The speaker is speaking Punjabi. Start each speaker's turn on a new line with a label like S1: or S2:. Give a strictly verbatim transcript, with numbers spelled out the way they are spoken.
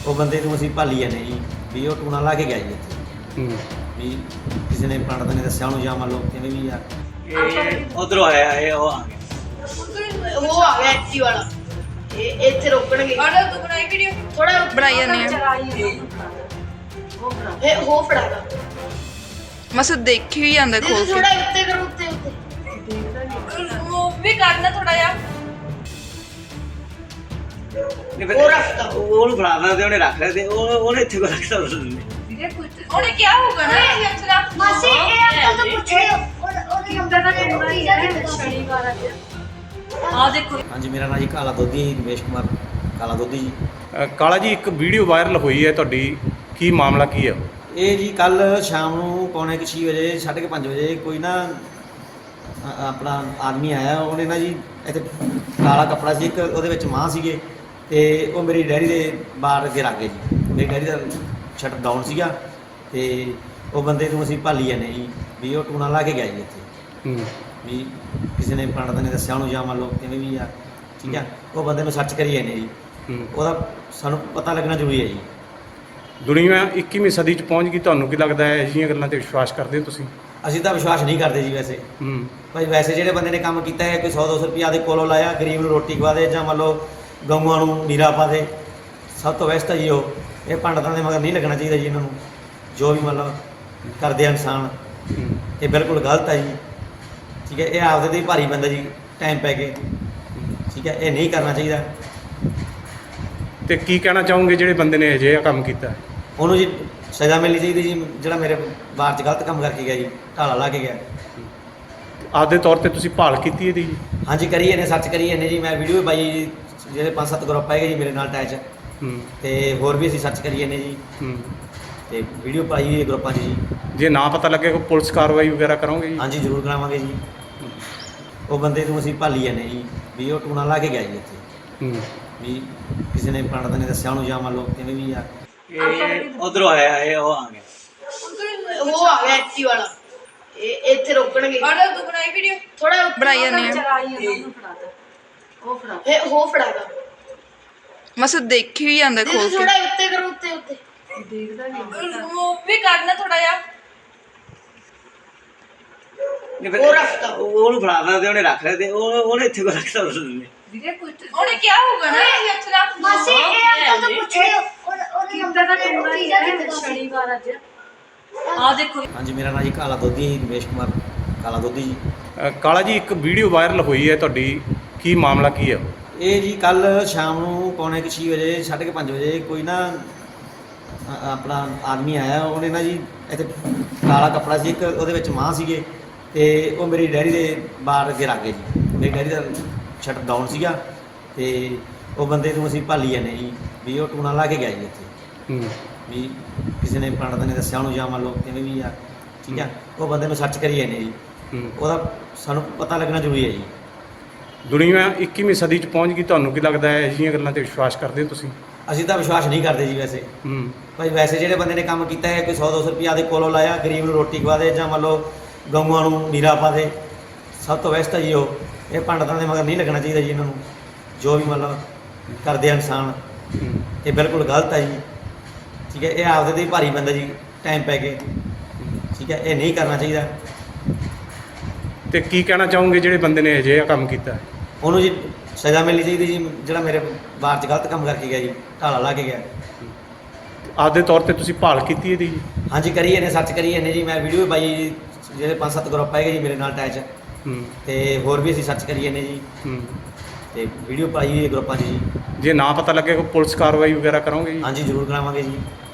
S1: ਉਹ ਬੰਦੇ ਨੂੰ ਅਸੀਂ ਭਾਲੀ ਜਾਂਦੇ ਜੀ ਵੀ ਉਹ ਟੂਣਾ ਲਾ ਕੇ ਗਿਆ ਜੀ ਇੱਥੇ
S2: ਹੂੰ
S1: ਵੀ ਕਿਸੇ ਨੇ ਪੰਡਤ ਨੇ ਦੱਸਿਆ ਉਹਨੂੰ ਜਾਂ ਮੰਨ ਲਓ ਕਿਵੇਂ ਵੀ ਆ
S3: ਇਹ ਉਧਰੋਂ ਆਇਆ ਇਹ ਉਹ ਆ ਗਿਆ
S4: ਉਹ ਆ ਗਿਆ ਐਕਟੀ ਵਾਲਾ ਇਹ ਇੱਥੇ ਰੋਕਣਗੇ
S5: ਆਡਾ ਤੂੰ ਬਣਾਈ ਵੀਡੀਓ
S4: ਥੋੜਾ
S5: ਬਣਾਈ ਜਾਂਦੀ ਆ
S4: ਇਹ ਹੋ ਫੜਾਗਾ
S5: ਮਸ ਦੇਖੀ ਹੀ ਜਾਂਦਾ ਖੋਲ
S4: ਥੋੜਾ
S5: ਕੇ
S4: ਉੱਤੇ ਕਰੋ ਉੱਤੇ ਉੱਤੇ
S5: ਮੂਵ ਵੀ ਕਰਨਾ ਥੋੜਾ ਜਿਹਾ
S3: ਨਹੀਂ ਫਿਰ
S4: ਉਹ ਰੱਖਤਾ।
S3: ਉਹਨੂੰ ਫੜਾ ਦਿੰਦਾ ਤੇ ਉਹਨੇ ਰੱਖ ਲਿਆ ਤੇ ਉਹ ਉਹਨੇ ਇੱਥੇ ਕੋ ਰੱਖਤਾ ਉਸ ਦਿਨ
S5: ਉਹਨੇ ਕੀ ਹੋਊਗਾ ਨਾ ਇਹ ਅਚਰਾ
S4: ਮਾਸੀ ਇਹ ਅੰਕਲ ਤੋਂ ਪੁੱਛਿਓ ਉਹਦੇ ਨੰਬਰ ਦਾ ਕੀ ਹੈ ਸ਼ਨੀਵਾਰ ਅੱਜ
S5: ਆ ਦੇਖੋ
S1: ਹਾਂਜੀ ਮੇਰਾ ਨਾਂ ਜੀ ਕਾਲਾ ਦੋਧੀ ਰਮੇਸ਼ ਕੁਮਾਰ ਕਾਲਾ ਦੋਧੀ ਜੀ।
S2: ਅ, ਕਾਲਾ ਜੀ ਇੱਕ ਵੀਡੀਓ ਵਾਇਰਲ ਹੋਈ ਹੈ ਤੁਹਾਡੀ, ਕੀ ਮਾਮਲਾ ਕੀ ਹੈ?
S1: ਇਹ ਜੀ ਕੱਲ ਸ਼ਾਮ ਨੂੰ ਪੌਣੇ ਕੁ ਛੇ ਵਜੇ ਸਾਢੇ ਕੁ ਪੰਜ ਵਜੇ ਕੋਈ ਨਾ ਅ- ਆਪਣਾ ਆਦਮੀ ਆਇਆ, ਉਹਨੇ ਨਾ ਜੀ ਇੱਥੇ ਕਾਲਾ ਕੱਪੜਾ ਸੀ ਇੱਕ, ਉਹਦੇ ਵਿੱਚ ਮਾਂ ਸੀਗੇ ਤੇ ਉਹ ਮੇਰੀ ਡੈਡੀ ਦੇ ਬਾਹਰ ਅੱਗੇ ਰੱਖ ਗਏ ਜੀ। ਮੇਰੀ ਡੈਡੀ ਦਾ ਸ਼ਟਰ ਡਾਊਨ ਸੀਗਾ ਤੇ ਉਹ ਬੰਦੇ ਨੂੰ ਅਸੀਂ ਭਾਲੀ ਜਾਂਦੇ ਜੀ ਵੀ ਉਹ ਟੂਣਾ ਲਾ ਕੇ ਗਿਆ ਜੀ ਇੱਥੇ
S2: ਹੂੰ
S1: ਵੀ ਕਿਸੇ ਨੇ ਪੰਡਤ ਨੇ ਦੱਸਿਆ ਉਹਨੂੰ ਜਾਂ ਮੰਨ ਲਓ ਕਿਵੇਂ ਵੀ ਆ ਠੀਕ ਆ। ਉਹ ਬੰਦੇ ਨੂੰ ਸਰਚ ਕਰੀ ਜਾਂਦੇ ਜੀ,
S2: ਹੂੰ
S1: ਉਹਦਾ ਸਾਨੂੰ ਪਤਾ ਲੱਗਣਾ ਜ਼ਰੂਰੀ ਹੈ ਜੀ।
S2: ਦੁਨੀਆ ਇੱਕੀਵੀਂ ਸਦੀ 'ਚ ਪਹੁੰਚ ਗਈ, ਤੁਹਾਨੂੰ ਕੀ ਲੱਗਦਾ ਹੈ ਅਜਿਹੀਆਂ ਗੱਲਾਂ ਤੇ ਵਿਸ਼ਵਾਸ ਕਰਦੇ ਹੋ ਤੁਸੀਂ?
S1: ਅਸੀਂ ਤਾਂ ਵਿਸ਼ਵਾਸ ਨਹੀਂ ਕਰਦੇ ਜੀ ਵੈਸੇ
S2: ਹੂੰ
S1: ਭਾਈ। ਵੈਸੇ ਜਿਹੜੇ ਬੰਦੇ ਨੇ ਕੰਮ ਕੀਤਾ ਹੈ ਕੋਈ ਸੌ ਦੋ ਸੌ ਰੁਪਈਆ ਦੇ ਕੋਲੋਂ ਲਾਇਆ, ਗਰੀਬ ਨੂੰ ਰੋਟੀ ਖਵਾ ਦੇ ਜਾਂ ਮੰਨ ਲਓ ਗਊਆਂ ਨੂੰ ਨੀਰਾ ਪਾ ਦੇ, ਸਭ ਤੋਂ ਬੈਸਟ ਹੈ ਜੀ ਉਹ। ਇਹ ਪੰਡਤਾਂ ਦੇ ਮਗਰ ਨਹੀਂ ਲੱਗਣਾ ਚਾਹੀਦਾ ਜੀ ਇਹਨਾਂ ਨੂੰ, ਜੋ ਵੀ ਮਤਲਬ ਕਰਦੇ ਆ ਇਨਸਾਨ
S2: ਹੂੰ
S1: ਇਹ ਬਿਲਕੁਲ ਗਲਤ ਹੈ ਜੀ ਠੀਕ ਹੈ। ਇਹ ਆਪਦੇ ਤੇ ਹੀ ਭਾਰੀ ਪੈਂਦਾ ਜੀ ਟਾਈਮ ਪੈ ਕੇ ਠੀਕ ਹੈ, ਇਹ ਨਹੀਂ ਕਰਨਾ ਚਾਹੀਦਾ।
S2: ਤੇ ਕੀ ਕਹਿਣਾ ਚਾਹੋਗੇ ਜਿਹੜੇ ਬੰਦੇ ਨੇ ਅਜਿਹਾ ਕੰਮ ਕੀਤਾ ਹੈ?
S1: ਉਹਨੂੰ ਜੀ ਸਜ਼ਾ ਮਿਲਣੀ ਚਾਹੀਦੀ ਜੀ, ਜਿਹੜਾ ਮੇਰੇ ਬਾਹਰ 'ਚ ਗਲਤ ਕੰਮ ਕਰਕੇ ਗਿਆ ਜੀ, ਢਾਲਾ ਲਾ ਕੇ ਗਿਆ।
S2: ਆਪਦੇ ਤੌਰ ਤੇ ਤੁਸੀਂ ਭਾਲ ਕੀਤੀ ਇਹਦੀ ਜੀ?
S1: ਹਾਂਜੀ ਕਰੀ ਇਹਨੇ ਸਰਚ ਕਰੀ ਇਹਨੇ ਜੀ, ਮੈਂ ਵੀਡੀਓ ਵੀ ਪਾਈ ਜੀ, ਜਿਹੜੇ ਪੰਜ ਸੱਤ ਗਰੁੱਪ ਹੈਗੇ ਜੀ ਮੇਰੇ ਨਾਲ ਅਟੈਚ,
S2: ਹੂੰ
S1: ਤੇ ਹੋਰ ਵੀ ਅਸੀਂ ਸਰਚ ਕਰੀ ਇਹਨੇ ਜੀ
S2: ਹੂੰ
S1: ਤੇ ਵੀਡੀਓ ਪਾਈ ਹੋਈ ਹੈ ਗਰੁੱਪਾਂ 'ਚ ਜੀ।
S2: ਜੇ ਨਾ ਪਤਾ ਲੱਗੇ ਕੋਈ ਪੁਲਿਸ ਕਾਰਵਾਈ ਵਗੈਰਾ ਕਰੋਗੇ ਜੀ?
S1: ਹਾਂਜੀ ਜ਼ਰੂਰ ਕਰਾਵਾਂਗੇ ਜੀ। ਉਹ ਬੰਦੇ ਨੂੰ ਅਸੀਂ ਭਾਲੀ ਜਾਂਦੇ ਜੀ ਵੀ ਉਹ ਟੂਣਾ ਲਾ ਕੇ ਗਿਆ ਜੀ ਇੱਥੇ
S2: ਹੂੰ
S1: ਵੀ ਕਿਸੇ ਨੇ ਪੰਡਤ ਨੇ ਦੱਸਿਆ ਉਹਨੂੰ ਜਾਂ ਮੰਨ ਲਓ ਕਿਵੇਂ ਵੀ ਆ
S3: ਇਹ ਉਧਰੋਂ ਆਇਆ ਇਹ ਉਹ ਆ ਗਿਆ
S4: ਉਹ ਆ ਗਿਆ ਐਕਟੀ ਵਾਲਾ ਇਹ ਇੱਥੇ ਰੋਕਣਗੇ
S5: ਆਡਾ ਤੂੰ ਬਣਾਈ ਵੀਡੀਓ
S4: ਥੋੜਾ
S5: ਬਣਾਈ ਜਾਂਦੀ ਆ
S4: ਉਹ ਫੜਾ ਇਹ ਹੋ ਫੜਾਗਾ
S5: ਮਸ ਦੇਖੀ ਹੀ ਜਾਂਦਾ ਖੋਲ ਕੇ
S4: ਥੋੜਾ ਉੱਤੇ ਕਰੋ ਉੱਤੇ ਉੱਤੇ
S5: ਮੂਵ ਵੀ ਕਰਨਾ ਥੋੜਾ ਜਿਹਾ
S3: ਨਹੀਂ ਫਿਰ
S4: ਉਹ ਰੱਖਤਾ।
S3: ਉਹਨੂੰ ਫੜਾ ਦਿੰਦਾ ਤੇ ਉਹਨੇ ਰੱਖ ਲਿਆ ਤੇ ਉਹ ਉਹਨੇ ਇੱਥੇ ਕੋ ਰੱਖਤਾ ਉਸ ਦਿਨ
S5: ਉਹਨੇ ਕੀ ਹੋਊਗਾ ਨਾ ਇਹ ਅਚਰਾ
S4: ਮਾਸੀ ਇਹ ਅੰਕਲ ਤੋਂ ਪੁੱਛਿਓ ਉਹਦੇ ਨੰਬਰ ਦਾ ਕੀ ਹੈ ਸ਼ਨੀਵਾਰ ਅੱਜ
S5: ਆ ਦੇਖੋ
S1: ਹਾਂਜੀ ਮੇਰਾ ਨਾਂ ਜੀ ਕਾਲਾ ਦੋਧੀ ਰਮੇਸ਼ ਕੁਮਾਰ ਕਾਲਾ ਦੋਧੀ ਜੀ।
S2: ਅ, ਕਾਲਾ ਜੀ ਇੱਕ ਵੀਡੀਓ ਵਾਇਰਲ ਹੋਈ ਹੈ ਤੁਹਾਡੀ, ਕੀ ਮਾਮਲਾ ਕੀ ਹੈ?
S1: ਇਹ ਜੀ ਕੱਲ ਸ਼ਾਮ ਨੂੰ ਪੌਣੇ ਕੁ ਛੇ ਵਜੇ ਸਾਢੇ ਕੁ ਪੰਜ ਵਜੇ ਕੋਈ ਨਾ ਅ- ਆਪਣਾ ਆਦਮੀ ਆਇਆ, ਉਹਨੇ ਨਾ ਜੀ ਇੱਥੇ ਕਾਲਾ ਕੱਪੜਾ ਸੀ ਇੱਕ, ਉਹਦੇ ਵਿੱਚ ਮਾਂ ਸੀਗੇ ਤੇ ਉਹ ਮੇਰੀ ਡੈਡੀ ਦੇ ਬਾਹਰ ਅੱਗੇ ਰੱਖ ਗਏ ਜੀ। ਮੇਰੀ ਡੈਡੀ ਦਾ ਸ਼ਟਰ ਡਾਊਨ ਸੀਗਾ ਤੇ ਉਹ ਬੰਦੇ ਨੂੰ ਅਸੀਂ ਭਾਲੀ ਜਾਂਦੇ ਜੀ ਵੀ ਉਹ ਟੂਣਾ ਲਾ ਕੇ ਗਿਆ ਜੀ ਇੱਥੇ
S2: ਹੂੰ
S1: ਵੀ ਕਿਸੇ ਨੇ ਪੰਡਤ ਨੇ ਦੱਸਿਆ ਉਹਨੂੰ ਜਾਂ ਮੰਨ ਲਓ ਕਿਵੇਂ ਵੀ ਆ ਠੀਕ ਆ। ਉਹ ਬੰਦੇ ਨੂੰ ਸਰਚ ਕਰੀ ਜਾਂਦੇ ਜੀ,
S2: ਹੂੰ
S1: ਉਹਦਾ ਸਾਨੂੰ ਪਤਾ ਲੱਗਣਾ ਜ਼ਰੂਰੀ ਹੈ ਜੀ।
S2: ਦੁਨੀਆ ਇੱਕੀਵੀਂ ਸਦੀ 'ਚ ਪਹੁੰਚ ਗਈ, ਤੁਹਾਨੂੰ ਕੀ ਲੱਗਦਾ ਹੈ ਅਜਿਹੀਆਂ ਗੱਲਾਂ ਤੇ ਵਿਸ਼ਵਾਸ ਕਰਦੇ ਹੋ ਤੁਸੀਂ?
S1: ਅਸੀਂ ਤਾਂ ਵਿਸ਼ਵਾਸ ਨਹੀਂ ਕਰਦੇ ਜੀ ਵੈਸੇ
S2: ਹੂੰ
S1: ਭਾਈ। ਵੈਸੇ ਜਿਹੜੇ ਬੰਦੇ ਨੇ ਕੰਮ ਕੀਤਾ ਹੈ ਕੋਈ ਸੌ ਦੋ ਸੌ ਰੁਪਈਆ ਦੇ ਕੋਲੋਂ ਲਾਇਆ, ਗਰੀਬ ਨੂੰ ਰੋਟੀ ਖਵਾ ਦੇ ਜਾਂ ਮੰਨ ਲਓ ਗਊਆਂ ਨੂੰ ਨੀਰਾ ਪਾ ਦੇ, ਸਭ ਤੋਂ ਬੈਸਟ ਹੈ ਜੀ ਉਹ। ਇਹ ਪੰਡਤਾਂ ਦੇ ਮਗਰ ਨਹੀਂ ਲੱਗਣਾ ਚਾਹੀਦਾ ਜੀ ਇਹਨਾਂ ਨੂੰ, ਜੋ ਵੀ ਮਤਲਬ ਕਰਦੇ ਆ ਇਨਸਾਨ
S2: ਹੂੰ
S1: ਇਹ ਬਿਲਕੁਲ ਗਲਤ ਹੈ ਜੀ ਠੀਕ ਹੈ। ਇਹ ਆਪਦੇ ਤੇ ਹੀ ਭਾਰੀ ਪੈਂਦਾ ਜੀ ਟਾਈਮ ਪੈ ਕੇ ਠੀਕ ਹੈ, ਇਹ ਨਹੀਂ ਕਰਨਾ ਚਾਹੀਦਾ।
S2: ਤੇ ਕੀ ਕਹਿਣਾ ਚਾਹੋਗੇ ਜਿਹੜੇ ਬੰਦੇ ਨੇ ਅਜਿਹਾ ਕੰਮ ਕੀਤਾ ਹੈ?
S1: ਉਹਨੂੰ ਜੀ ਸਜ਼ਾ ਮਿਲਣੀ ਚਾਹੀਦੀ ਜੀ, ਜਿਹੜਾ ਮੇਰੇ ਬਾਹਰ 'ਚ ਗਲਤ ਕੰਮ ਕਰਕੇ ਗਿਆ ਜੀ, ਢਾਲਾ ਲਾ ਕੇ ਗਿਆ।
S2: ਆਪਦੇ ਤੌਰ ਤੇ ਤੁਸੀਂ ਭਾਲ ਕੀਤੀ ਇਹਦੀ ਜੀ?
S1: ਹਾਂਜੀ ਕਰੀ ਇਹਨੇ ਸਰਚ ਕਰੀ ਇਹਨੇ ਜੀ, ਮੈਂ ਵੀਡੀਓ ਵੀ ਪਾਈ ਜੀ, ਜਿਹੜੇ ਪੰਜ ਸੱਤ ਗਰੁੱਪ ਹੈਗੇ ਜੀ ਮੇਰੇ ਨਾਲ ਅਟੈਚ,
S2: ਹੂੰ
S1: ਤੇ ਹੋਰ ਵੀ ਅਸੀਂ ਸਰਚ ਕਰੀ ਇਹਨੇ ਜੀ
S2: ਹੂੰ
S1: ਤੇ ਵੀਡੀਓ ਪਾਈ ਹੋਈ ਹੈ ਗਰੁੱਪਾਂ 'ਚ ਜੀ।
S2: ਜੇ ਨਾ ਪਤਾ ਲੱਗੇ ਕੋਈ ਪੁਲਿਸ ਕਾਰਵਾਈ ਵਗੈਰਾ ਕਰੋਗੇ ਜੀ?
S1: ਹਾਂਜੀ ਜ਼ਰੂਰ ਕਰਾਵਾਂਗੇ ਜੀ।